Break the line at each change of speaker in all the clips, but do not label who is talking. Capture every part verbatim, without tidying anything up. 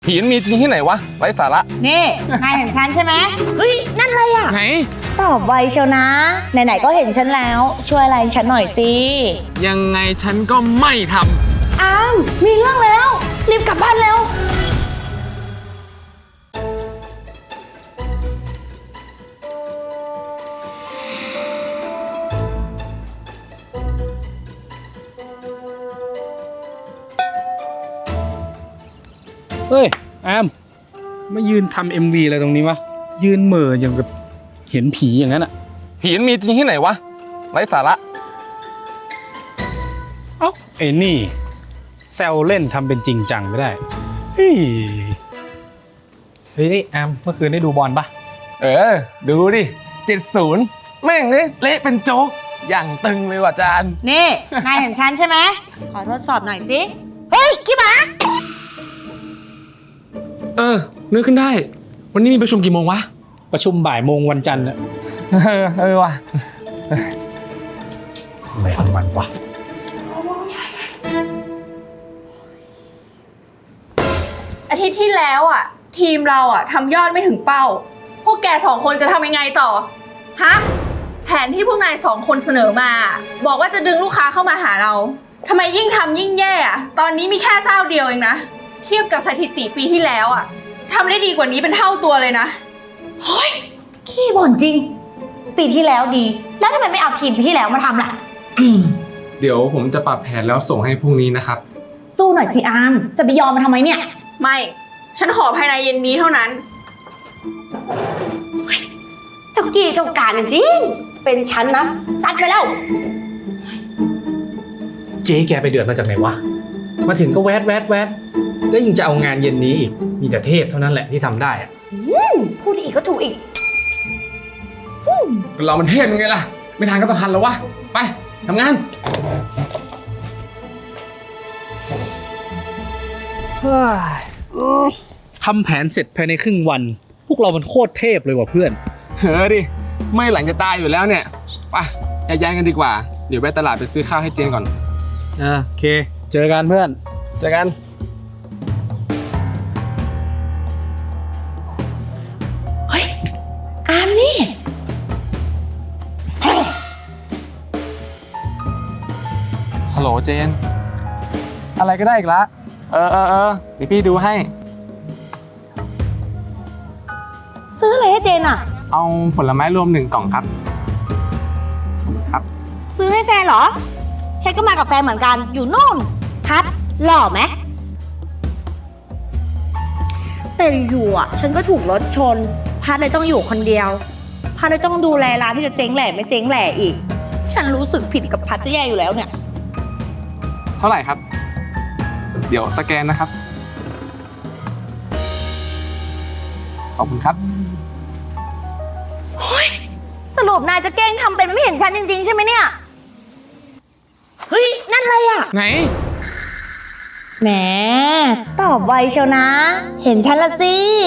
ผีมันมีจริงที่ไหนวะไร้สาระ
นี่นายเห็นฉันใช่ไหมเฮ้ยนั่นอะไรอ่ะ
ไหน
ตอบไวเชียวนะไหนๆก็เห็นฉันแล้วช่วยอะไรฉันหน่อยสิ
ยังไงฉันก็ไม่ทำ
อ้ามมีเรื่องแล้วรีบกลับบ้านเร็ว
เฮ้ยแอมมายืนทำเอ็มวีอะไรตรงนี้วะยืนเหม่ออย่างกับเห็นผีอย่างนั้นอ่ะ
ผีมันมีจริงที่ไหนวะไร้สาระ
เอ้าไอ้นี่แซวเล่นทำเป็นจริงจังไม่ได้เฮ้ยเฮ้ยนี่แอมเมื่อคืนได้ดูบอลปะ
เออดูดิเจ็ดศูนย์แม่งเลยเละเป็นโจ๊กอย่างตึงเลยว่ะจาน
นี่นายเห็นฉันใช่ไหมขอทดสอบหน่อยสิเฮ้ยขี้หมา
เออนึกขึ้นได้วันนี้มีประชุมกี่โมงวะ
ประชุมบ่ายโมงวันจันทร์อะ
เออเออว่ะ
อะไรของมันวะ
อาทิตย์ที่แล้วอ่ะทีมเราอ่ะทำยอดไม่ถึงเป้าพวกแกสองคนจะทำยังไงต่อฮะแผนที่พวกนายสองคนเสนอมาบอกว่าจะดึงลูกค้าเข้ามาหาเราทำไมยิ่งทำยิ่งแย่อ่ะตอนนี้มีแค่เจ้าเดียวเองนะเทียบกับสถิติปีที่แล้วอ่ะทำได้ดีกว่านี้เป็นเท่าตัวเลยนะ
เฮ้ยขี้บ่นจริงปีที่แล้วดีแล้วทำไมไม่เอาทีมปีที่แล้วมาทำล่ะ
เดี๋ยวผมจะปรับแผนแล้วส่งให้พรุ่งนี้นะครับ
สู้หน่อยสิอาร์มจะไปยอมมาทำไมเนี่ย
ไม่ฉันขอภายในเย็นนี้เท่านั้น
เจ้ากี้เจ้าการจริงเป็นฉันนะซัดไปแล้ว
เจ๊แกไปเดือดมาจากไหนวะมาถึงก็แวดแวดแวดแล้วยังจะเอางานเย็นนี้อีกมีแต่เทพเท่านั้นแหละที่ทำได้อะ
พูดอีกก็ถูกอีก
เรามันเทพยังไงล่ะไม่ทันก็ต้องทันแล้ววะไปทำงาน
ทำแผนเสร็จภายในครึ่งวันพวกเรามันโคตรเทพเลยว่ะเพื่อน
เฮ้ยดิไม่หลังจะตายอยู่แล้วเนี่ยไปย้ายกันดีกว่าเดี๋ยวไปตลาดไปซื้อข้าวให้เจนก่อน
อ่าโอเคเจอกันเพื่อน
เจอกัน
เฮ้ยอามนี่
ฮัลโหลเจนอะไรก็ได้อีกละเออเออเออเดี๋ยวพี่ดูให้
ซื้ออะไรให้เจนอ่ะ
เอาผลไม้รวมหนึ่งกล่องครับครับ
ซื้อให้แฟนเหรอฉันก็มากับแฟนเหมือนกันอยู่นู่นพัดหล่อไหมแต่อยู่อ่ะฉันก็ถูกรถชนพัดเลยต้องอยู่คนเดียวพัดเลยต้องดูแลร้านที่จะเจ๊งแหล่ไม่เจ๊งแหล่อีกฉันรู้สึกผิดกับพัดจะแย่อยู่แล้วเนี่ย
เท่าไหร่ครับเดี๋ยวสแกนนะครับขอบคุณครับ
เฮ้ยสรุปนายจะแกล้งทำเป็นไม่เห็นฉันจริงๆใช่ไหมเนี่ยเฮ้ยนั่นอะไรอ่ะ
ไหน
แหมตอบไวเชียวนะเห็นฉันละสิ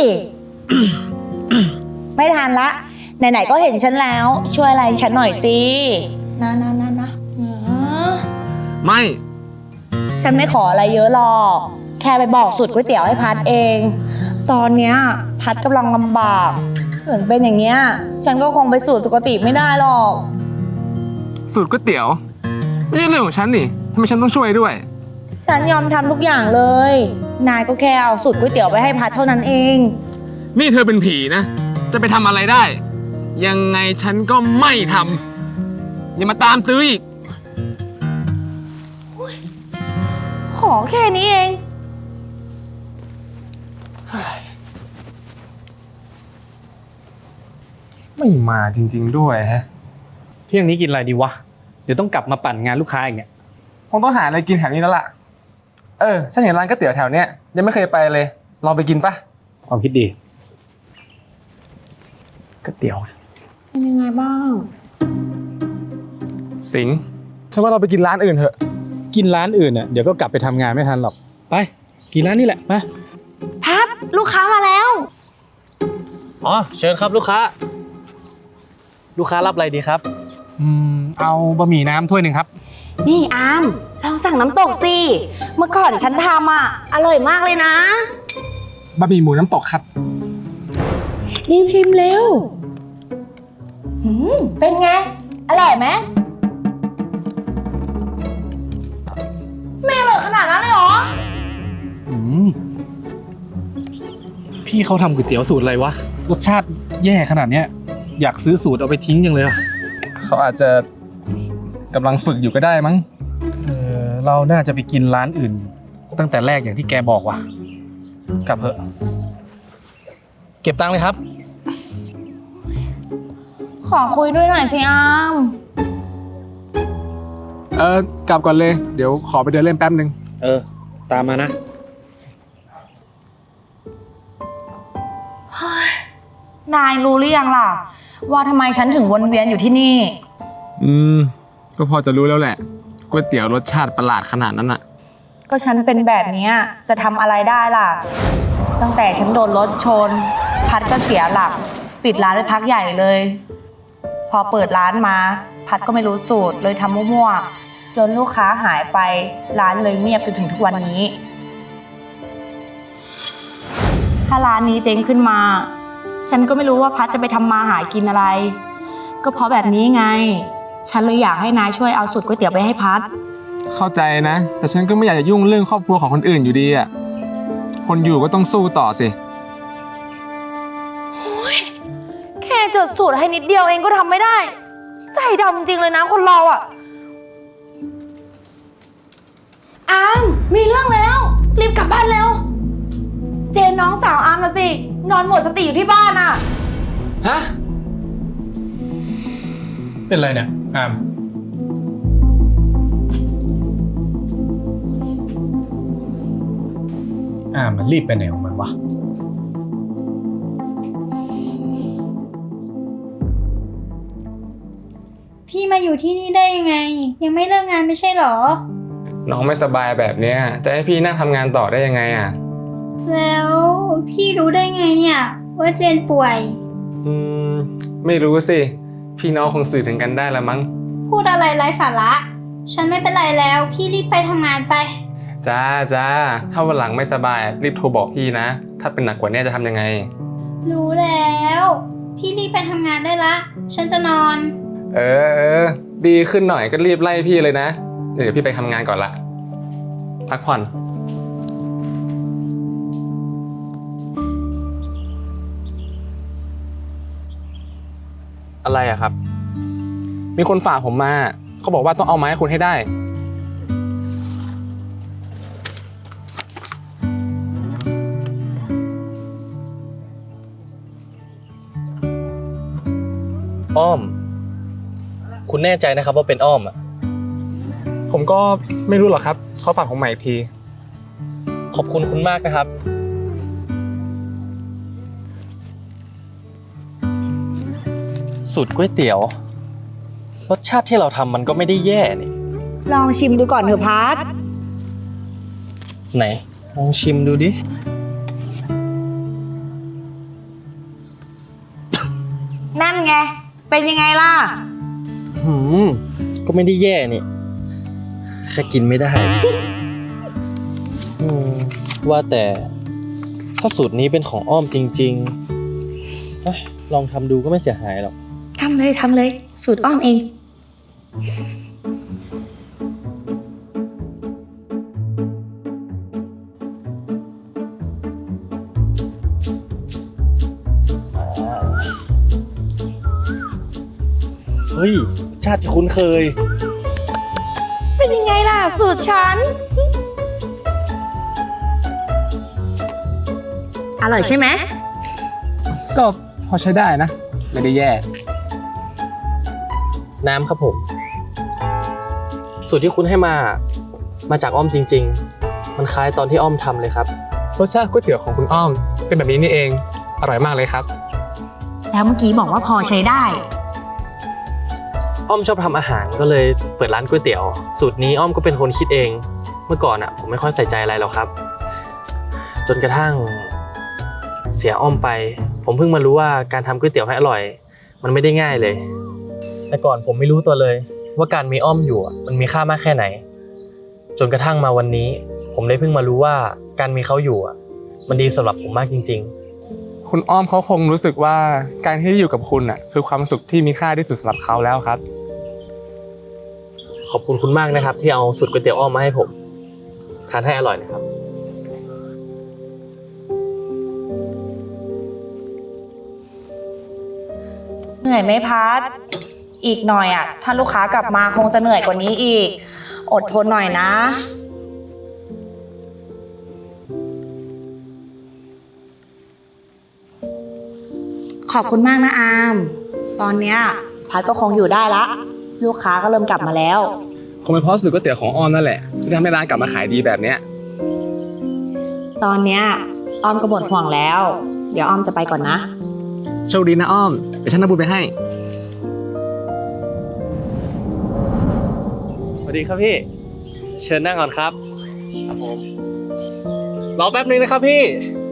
ไม่ทันละไหนๆก็เห็นฉันแล้วช่วยอะไรฉันหน่อยสินะนะนะนะ
ไม่
ฉันไม่ขออะไรเยอะหรอกแค่ไปบอกสูตรก๋วยเตี๋ยวให้พัดเองตอนเนี้ยพัดกำลังลำบากเกิดเป็นอย่างเงี้ยฉันก็คงไปสูตรปกติไม่ได้หรอก
สูตรก๋วยเตี๋ยวไม่ใช่เรื่องของฉันนี่ทำไมฉันต้องช่วยด้วย
ฉันยอมทำทุกอย่างเลยนายก็แค่เอาสูตรก๋วยเตี๋ยวไปให้พัดเท่านั้นเอง
นี่เธอเป็นผีนะจะไปทำอะไรได้ยังไงฉันก็ไม่ทำอย่ามาตามตื้ออีก
ขอแค่นี้เอง
ไม่มาจริงๆด้วยฮะ
เที่ยงนี้กินอะไรดีวะเดี๋ยวต้องกลับมาปั่นงานลูกค้าอีกเนี่ย
คงต้องหาอะไรกินแถวนี้แล้วล่ะเออฉันเห็นร้านก๋วยเตี๋ยวแถวเนี้ยยังไม่เคยไปเลยลองไปกินปะ
ความคิดดีก๋วยเตี๋ยว
เป็นยังไงบ้าง
สิงห์ฉันว่าเราไปกินร้านอื่นเถอะ
กินร้านอื่นเนี่ยเดี๋ยวก็กลับไปทำงานไม่ทันหรอกไปกินร้านนี้แหละมา
พัดลูกค้ามาแล้ว
อ๋อเชิญครับลูกค้าลูกค้ารับอะไรดีครับอืมเอาบะหมี่น้ำถ้วยหนึ่งครับ
นี่อามลองสั่งน้ำตกสิเมื่อก่อนฉันทำอ่ะอร่อยมากเลยนะ
บะหมี่หมูน้ำตกครับ
รีบชิมเร็วหืมเป็นไง อร่อยไหมไม่อร่อยขนาดนั้นเลยเหรอ
อืมพี่เขาทำก๋วยเตี๋ยวสูตรอะไรวะ รสชาติแย่ขนาดเนี้ยอยากซื้อสูตรเอาไปทิ้งยังเลยอะ
เขาอาจจะกำลังฝึกอยู่ก็ได้มั้ง
เออเราน่าจะไปกินร้านอื่น ตั้งแต่แรกอย่างที่แกบอกว่ะ กลับเถอะเก็บตังค์เลยครับ
ขอคุยด้วยหน่อยสิอาม
เออกลับก่อนเลย เดี๋ยวขอไปเดินเล่นแป๊บนึง
เออ ตามมานะ
นายรู้หรือยังล่ะ ว่าทำไมฉันถึงวนเวียนอยู่ที่นี่
อืม ก็พอจะรู้แล้วแหละก๋วยเตี๋ยวรสชาติประหลาดขนาดนั้นอะ
ก็ฉันเป็นแบบเนี้ยจะทำอะไรได้ล่ะ ตั้งแต่ฉันโดนรถชน พัดก็เสียหลัก ปิดร้านไปพักใหญ่เลย พอเปิดร้านมา พัดก็ไม่รู้สูตรเลยทำมั่วๆจนลูกค้าหายไปร้านเลยเงียบจนถึงทุกวันนี้ ถ้าร้านนี้เจ๊งขึ้นมา ฉันก็ไม่รู้ว่าพัดจะไปทำมาหากินอะไร ก็เพราะแบบนี้ไง ฉันเลยอยากให้นายช่วยเอาสูตรก๋วยเตี๋ยวไปให้พัด
เข้าใจนะ แต่ฉันก็ไม่อยากจะยุ่งเรื่องครอบครัวของคนอื่นอยู่ดีอะคนอยู่ก็ต้องสู้ต่อสิ
แค่จดสูตรให้นิดเดียวเองก็ทำไม่ได้ ใจดำจริงเลยนะคนเราอ่ะ อามมีเรื่องแล้ว รีบกลับบ้านเร็ว เจนน้องสาวอามนะสิ นอนหมดสติอยู่ที่บ้านอ่ะ
ฮะ
เป็นไรเนี่ยอามอามมันรีบไปไหนของมันวะ
พี่มาอยู่ที่นี่ได้ยังไง ยังไม่เลิกงานไม่ใช่หรอ
น้องไม่สบายแบบเนี้ยจะให้พี่นั่งทำงานต่อได้ยังไงอะ
แล้วพี่รู้ได้ไงเนี่ยว่าเจนป่วย
อืม ไม่รู้สิ พี่น้องคงสื่อถึงกันได้ละมั้ง
พูดอะไรไร้สาระ ฉันไม่เป็นไรแล้ว พี่รีบไปทำงานไป
จ้าจ้าถ้าวันหลังไม่สบายรีบโทรบอกพี่นะ ถ้าเป็นหนักกว่านี้จะทำยังไง
รู้แล้ว พี่รีบไปทำงานได้ละ ฉันจะนอน
เออเออ ดีขึ้นหน่อยก็รีบไล่พี่เลยนะ เดี๋ยวพี่ไปทำงานก่อนละ พักผ่อน อะไรอะครับ มีคนฝากผมมา เขาบอกว่าต้องเอาไม้ให้คุณให้ได้
อ้อม คุณแน่ใจนะครับว่าเป็นอ้อมอ่ะ
ผมก็ไม่รู้หรอกครับ เขาฝากผมมาอีกที
ขอบคุณคุณมากนะครับ สูตรก๋วยเตี๋ยว รสชาติที่เราทำมันก็ไม่ได้แย่นี่
ลองชิมดูก่อนเถอะพัด
ไหน ลองชิมดูดิ
นั่นไง เป็นยังไงล่ะ
หืม ก็ไม่ได้แย่นี่ แค่กินไม่ได้ อืม ว่าแต่ถ้าสูตรนี้เป็นของอ้อมจริงๆเอ้ยลองทำดูก็ไม่เสียหายหรอก
ทำเลยทำเลย สูตรอ้อมเอง
เฮ้ย ชาติที่คุ้นเคย
เป็นยังไงล่ะ สูตรฉัน อร่อยใช่ไหม
ก็พอใช้ได้นะ ไม่ได้แย่
น้ำครับผม สูตรที่คุณให้มา มาจากอ้อมจริงๆ มันคล้ายตอนที่อ้อมทำเลยครับ
รสชาติก๋วยเตี๋ยวของคุณอ้อม เป็นแบบนี้นี่เอง อร่อยมากเลยครับ
แล้วเมื่อกี้บอกว่าพอใช้ได้
อ้อมชอบทำอาหารก็เลยเปิดร้านก๋วยเตี๋ยว สูตรนี้อ้อมก็เป็นคนคิดเอง เมื่อก่อนอ่ะผมไม่ค่อยใส่ใจอะไรหรอกครับ จนกระทั่งเสียอ้อมไป ผมเพิ่งมารู้ว่าการทำก๋วยเตี๋ยวให้อร่อย มันไม่ได้ง่ายเลย แต่ก่อนผมไม่รู้ตัวเลย ว่าการมีอ้อมอยู่อะมันมีค่ามากแค่ไหน จนกระทั่งมาวันนี้ ผมได้เพิ่งมารู้ว่าการมีเขาอยู่อะมันดีสำหรับผมมากจริง
คุณอ้อมเขาคงรู้สึกว่าการที่ได้อยู่กับคุณอ่ะคือความสุขที่มีค่าที่สุดสำหรับเขาแล้วครับ
ๆ ขอบคุณคุณมากนะครับ ที่เอาสูตรก๋วยเตี๋ยวอ้อมมาให้ผมทานให้อร่อยนะครับ
เหนื่อยไหมพัด อีกหน่อยอ่ะ ถ้าลูกค้ากลับมาคงจะเหนื่อยกว่านี้อีก อดทนหน่อยนะ ขอบคุณมากนะอาม ตอนเนี้ยพัดก็คงอยู่ได้ละ ลูกค้าก็เริ่มกลับมาแล้ว
คงเป็นเพราะสูตรก๋วยเตี๋ยวของอ้อมนั่นแหละที่ทำให้ร้านกลับมาขายดีแบบเนี้ย
ตอนเนี้ยออมก็หมดห่วงแล้ว เดี๋ยวออมจะไปก่อนนะ
โชคดีนะอ้อมเดี๋ยวฉันนำบุญไปให้
สวัสดีครับพี่ เชิญนั่งก่อนครับ ครับผม รอแป๊บนึงนะครับพี่